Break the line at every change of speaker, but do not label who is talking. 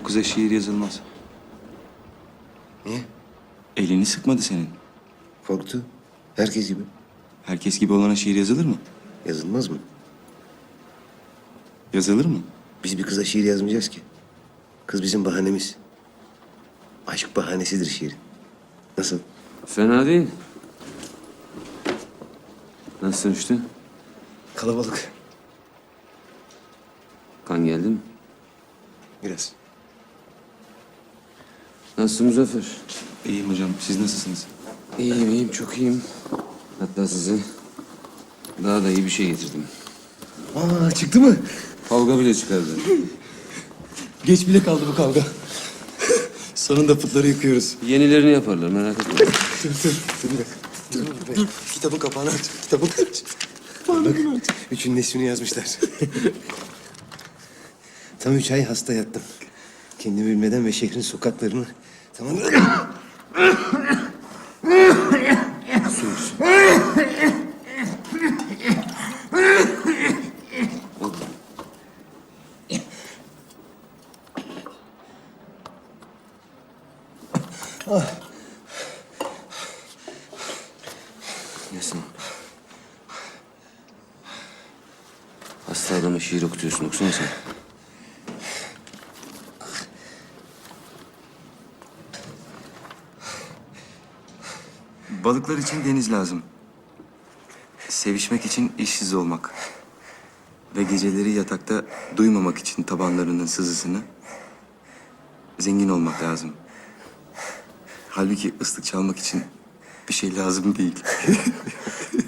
kıza şiir yazılmaz.
Niye?
Elini sıkmadı senin.
Korktu. Herkes gibi.
Herkes gibi olana şiir yazılır mı?
Yazılmaz mı?
Yazılır mı?
Biz bir kıza şiir yazmayacağız ki. Kız bizim bahanemiz. Aşk bahanesidir şiirin. Nasıl?
Fena değil. Nasıl dönüştü?
Kalabalık.
Kan geldi mi?
Biraz.
Nasılsın Muzaffer?
İyiyim hocam. Siz nasılsınız?
İyiyim, iyiyim. Çok iyiyim. Hatta size daha da iyi bir şey getirdim.
Aa, çıktı mı?
Kavga bile çıkardı.
Geç bile kaldı bu kavga. Sonunda putları yıkıyoruz.
Yenilerini yaparlar, merak etme.
Dur bir dakika. Dur. Kitabın kapağını aç. Kitabın aç. Bak, üçün nesmini yazmışlar. Tam 3 ay hasta yattım. Kendimi bilmeden ve şehrin sokaklarını tamamen... Su içsin.
Nesin? Hasta adama şiir okutuyorsun, okusana sen.
Balıklar için deniz lazım. Sevişmek için işsiz olmak. Ve geceleri yatakta duymamak için tabanlarının sızısını zengin olmak lazım. Halbuki ıslık çalmak için bir şey lazım değil.